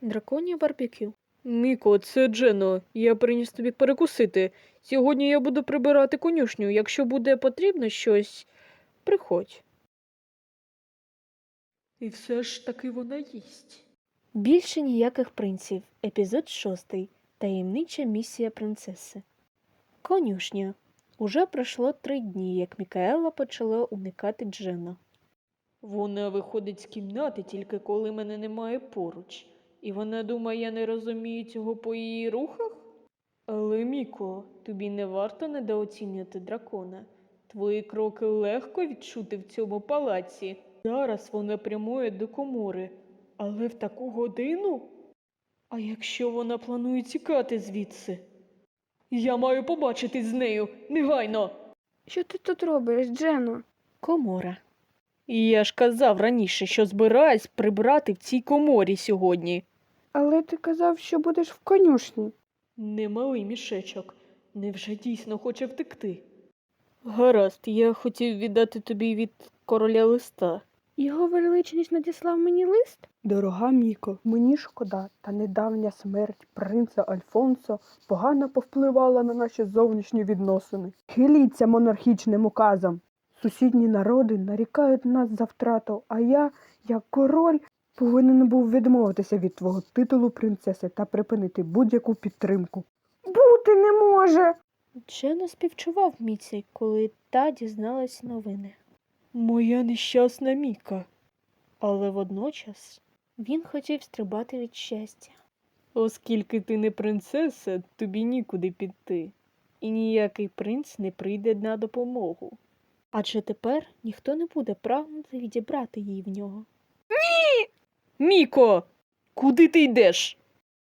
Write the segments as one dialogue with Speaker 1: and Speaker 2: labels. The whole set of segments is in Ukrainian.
Speaker 1: Драконє барбекю. Міко, це Джено. Я приніс тобі перекусити. Сьогодні я буду прибирати конюшню. Якщо буде потрібно щось, приходь. І все ж таки вона їсть. Більше ніяких принців. Епізод 6. Таємнича місія принцеси. Конюшня. Уже пройшло 3 дні, як Мікаела почала уникати Джена. Вона виходить з кімнати тільки коли мене немає поруч. І вона думає, я не розумію цього по її рухах? Але, Міко, тобі не варто недооцінювати дракона. Твої кроки легко відчути в цьому палаці. Зараз вона прямує до комори. Але в таку годину? А якщо вона планує тікати звідси? Я маю побачитись з нею, негайно!
Speaker 2: Що ти тут робиш, Джено?
Speaker 1: Комора. І я ж казав раніше, що збираюсь прибрати в цій коморі сьогодні.
Speaker 2: Але ти казав, що будеш в конюшні.
Speaker 1: Немалий мішечок. Невже дійсно хоче втекти? Гаразд, я хотів віддати тобі від короля листа.
Speaker 2: Його величність надіслав мені лист?
Speaker 3: Дорога Міко, мені шкода, та недавня смерть принца Альфонсо погано повпливала на наші зовнішні відносини. Хиліться монархічним указам. Сусідні народи нарікають нас за втрату, а я, як король, повинен був відмовитися від твого титулу принцеси та припинити будь-яку підтримку.
Speaker 2: Бути не може!
Speaker 1: Джено співчував Міці, коли та дізналась новини. Моя нещасна Міка. Але водночас він хотів стрибати від щастя. Оскільки ти не принцеса, тобі нікуди піти. І ніякий принц не прийде на допомогу. Адже тепер ніхто не буде прагнути відібрати її в нього. Ні! Міко! Куди ти йдеш?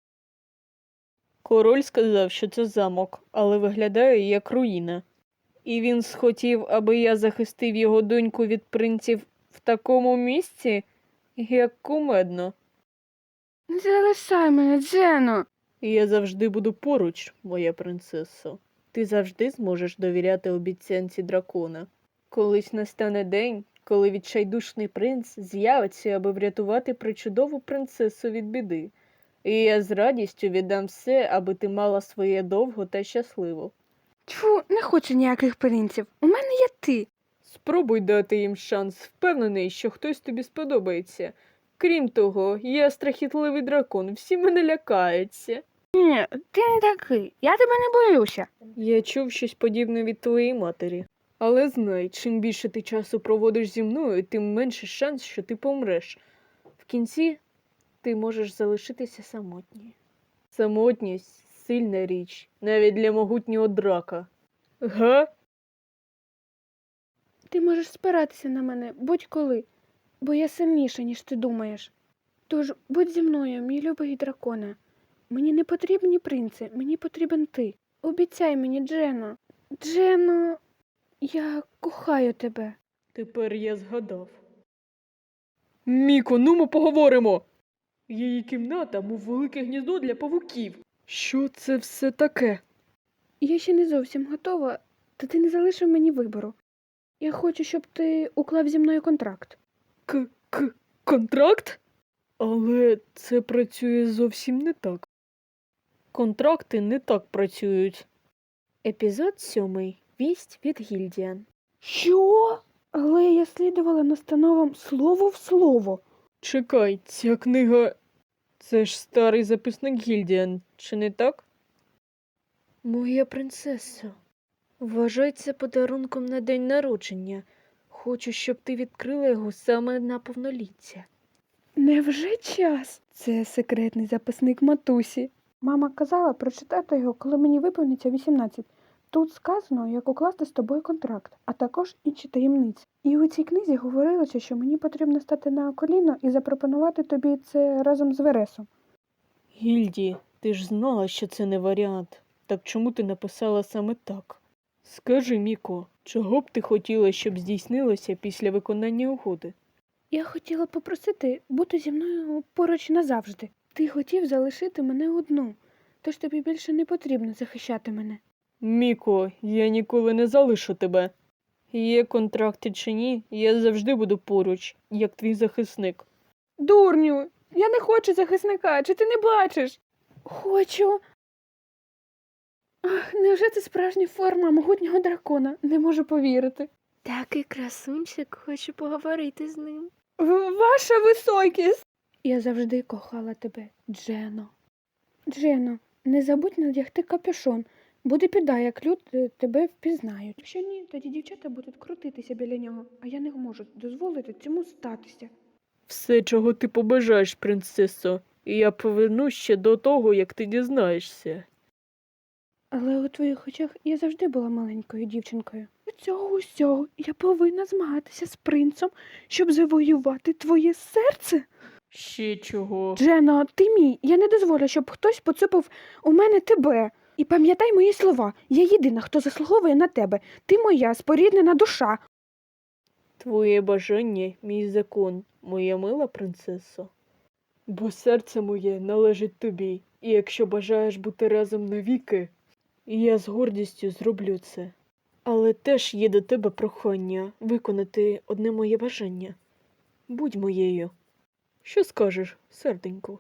Speaker 1: Король сказав, що це замок, але виглядає як руїна. І він схотів, аби я захистив його доньку від принців в такому місці, як кумедно.
Speaker 2: Не залишай мене, Джено!
Speaker 1: Я завжди буду поруч, моя принцесо. Ти завжди зможеш довіряти обіцянці дракона. Колись настане день, коли відчайдушний принц з'явиться, аби врятувати причудову принцесу від біди. І я з радістю віддам все, аби ти мала своє довго та щасливо.
Speaker 2: Тьфу, не хочу ніяких принців. У мене є ти.
Speaker 1: Спробуй дати їм шанс, впевнений, що хтось тобі сподобається. Крім того, я страхітливий дракон, всі мене лякаються.
Speaker 2: Ні, ти не такий. Я тебе не боюся.
Speaker 1: Я чув щось подібне від твоєї матері. Але знай, чим більше ти часу проводиш зі мною, тим менше шанс, що ти помреш. В кінці ти можеш залишитися самотньою. Самотність – сильна річ, навіть для могутнього драка. Га?
Speaker 2: Ти можеш спиратися на мене будь-коли, бо я сильніша, ніж ти думаєш. Тож будь зі мною, мій любий драконе. Мені не потрібні принци, мені потрібен ти. Обіцяй мені, Джено. Джено, я кохаю тебе.
Speaker 1: Тепер я згадав. Міко, ну ми поговоримо! Її кімната, мов велике гніздо для павуків. Що це все таке?
Speaker 2: Я ще не зовсім готова, та ти не залишив мені вибору. Я хочу, щоб ти уклав зі мною контракт.
Speaker 1: Контракт? Але це працює зовсім не так. Контракти не так працюють. Епізод 7. Вість від Гільдіан.
Speaker 2: Що? Але я слідувала настановам слово в слово.
Speaker 1: Чекай, ця книга... Це ж старий записник Гільдіан, чи не так? Моя принцесо, вважай це подарунком на день народження. Хочу, щоб ти відкрила його саме на повноліття.
Speaker 2: Невже час? Це секретний записник матусі. Мама казала прочитати його, коли мені виповниться 18. Тут сказано, як укласти з тобою контракт, а також інші таємниці. І у цій книзі говорилося, що мені потрібно стати на коліно і запропонувати тобі це разом з Вересом.
Speaker 1: Гільді, ти ж знала, що це не варіант. Так чому ти написала саме так? Скажи, Міко, чого б ти хотіла, щоб здійснилося після виконання угоди?
Speaker 2: Я хотіла попросити бути зі мною поруч назавжди. Ти хотів залишити мене одну, тож тобі більше не потрібно захищати мене.
Speaker 1: Міко, я ніколи не залишу тебе. Є контракти чи ні, я завжди буду поруч, як твій захисник.
Speaker 2: Дурню, Я не хочу захисника, чи ти не бачиш? Хочу. Ах, невже це справжня форма могутнього дракона? Не можу повірити.
Speaker 1: Такий красунчик, хочу поговорити з ним.
Speaker 2: Ваша високість! Я завжди кохала тебе, Джено. Джено, не забудь надягти капюшон. Буде біда, як люди тебе впізнають. Якщо ні, тоді дівчата будуть крутитися біля нього, а я не можу дозволити цьому статися.
Speaker 4: Все, чого ти побажаєш, принцесо, і я повернусь ще до того, як ти дізнаєшся.
Speaker 2: Але у твоїх очах я завжди була маленькою дівчинкою. Від цього усього я повинна змагатися з принцем, щоб завоювати твоє серце.
Speaker 4: Ще чого?
Speaker 2: Джено, ти мій. Я не дозволю, щоб хтось поцупив у мене тебе. І пам'ятай мої слова. Я єдина, хто заслуговує на тебе. Ти моя споріднена душа.
Speaker 4: Твоє бажання – мій закон, моя мила принцесо. Бо серце моє належить тобі, і якщо бажаєш бути разом навіки, я з гордістю зроблю це. Але теж є до тебе прохання виконати одне моє бажання. Будь моєю. Що скажеш, серденько?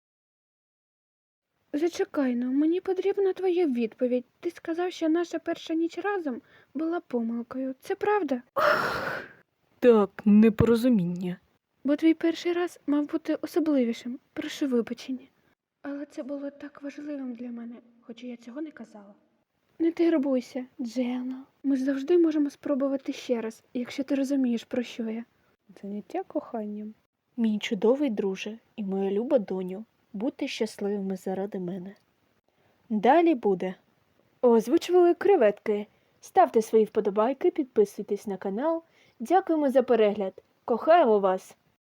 Speaker 2: Зачекай, ну, мені потрібна твоя відповідь. Ти сказав, що наша перша ніч разом була помилкою. Це правда?
Speaker 4: Так, непорозуміння.
Speaker 2: Бо твій перший раз мав бути особливішим. Прошу вибачення. Але це було так важливим для мене, хоча я цього не казала. Не турбуйся, Джено. Ми ж завжди можемо спробувати ще раз, якщо ти розумієш, про що я.
Speaker 3: Заняття коханням.
Speaker 1: Мій чудовий друже і моя люба доню, будьте щасливими заради мене. Далі буде. Озвучували креветки. Ставте свої вподобайки, підписуйтесь на канал. Дякуємо за перегляд. Кохаємо вас!